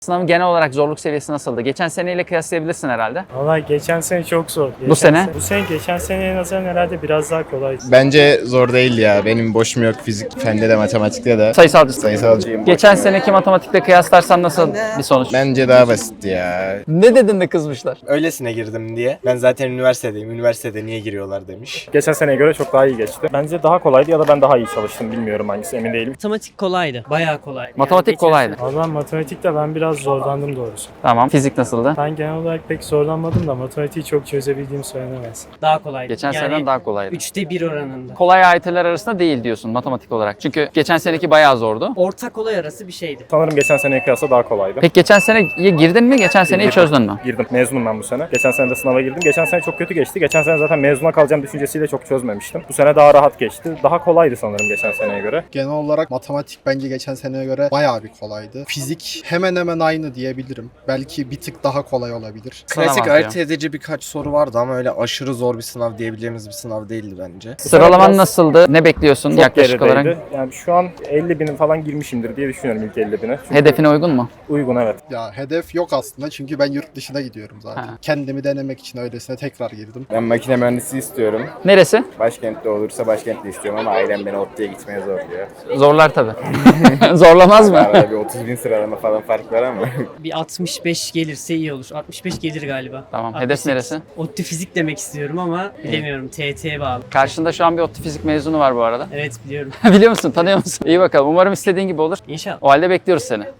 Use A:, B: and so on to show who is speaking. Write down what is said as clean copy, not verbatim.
A: Sınavın genel olarak zorluk seviyesi nasıldı? Geçen seneyle kıyaslayabilirsin herhalde.
B: Valla geçen sene çok zor.
A: Bu sene?
B: Bu sene geçen seneye nazaran herhalde biraz daha kolay.
C: Bence zor değil ya. Benim boşum yok fizik, fende de matematikte de.
A: Sayısalcısın.
C: Sayısalcıyım.
A: Geçen seneki matematikle kıyaslarsan nasıl bir sonuç?
C: Bence daha basitti ya.
A: Ne dedin de kızmışlar?
D: Öylesine girdim diye. Ben zaten üniversitedeyim. Üniversitede niye giriyorlar demiş.
B: Geçen seneye göre çok daha iyi geçti. Bence daha kolaydı ya da ben daha iyi çalıştım. Bilmiyorum hangisi, emin değilim.
E: Matematik kolaydı. Bayağı kolaydı.
A: Matematik
E: geçen
A: kolaydı.
B: Valla matematikte ben biraz zorlandım doğrusu.
A: Tamam. Fizik nasıldı?
B: Ben genel olarak pek zorlanmadım da matematiği çok çözebildiğim söylenemez.
E: sene daha kolaydı.
A: Geçen seneden daha kolaydı.
E: 3'te 1 oranında.
A: Kolay AYT'ler arasında değil diyorsun matematik olarak. Çünkü geçen seneki bayağı zordu.
E: Orta kolay arası bir şeydi.
B: Sanırım geçen seneye kıyasla daha kolaydı.
A: Peki geçen seneye girdin mi? Geçen seneyi
B: Girdim.
A: çözdün mü?
B: Girdim. Mezunum ben bu sene. Geçen sene de sınava girdim. Geçen sene çok kötü geçti. Geçen sene zaten mezuna kalacağım düşüncesiyle çok çözmemiştim. Bu sene daha rahat geçti. Daha kolaydı sanırım geçen seneye göre.
F: Genel olarak matematik bence geçen seneye göre bayağı bir kolaydı. Fizik hemen hemen aynı diyebilirim. Belki bir tık daha kolay olabilir.
D: Klasik
A: Sınav
D: ayırt
A: atıyor.
D: edici birkaç soru vardı ama öyle aşırı zor bir sınav diyebileceğimiz bir sınav değildi bence.
A: Sıralaman
B: biraz-
A: nasıldı? Ne bekliyorsun
B: Çok
A: yaklaşık
B: gerideydi.
A: olarak?
B: Yani şu an 50 binin falan girmişimdir diye düşünüyorum ilk 50 bine. Çünkü
A: Hedefine uygun mu?
B: uygun, evet.
F: Ya hedef yok aslında çünkü ben yurt dışına gidiyorum zaten.
A: Ha.
F: Kendimi denemek için öylesine tekrar girdim.
C: Ben makine mühendisi istiyorum.
A: Neresi?
C: Başkentte olursa başkentte istiyorum ama ailem beni ODTÜ'ye gitmeye zorluyor.
A: Zorlar tabii. Zorlamaz mı?
C: Arada bir 30 bin sıralama falan fark var ama.
E: Bir 65 gelirse iyi olur. 65 gelir galiba.
A: Tamam.
E: 68.
A: Hedef neresi?
E: ODTÜ fizik demek istiyorum ama bilemiyorum. TYT'ye bağlı.
A: Karşında şu an bir ODTÜ fizik mezunu var bu arada.
E: Evet biliyorum.
A: Biliyor musun? Tanıyor musun? İyi bakalım. Umarım istediğin gibi olur.
E: İnşallah.
A: O halde bekliyoruz seni.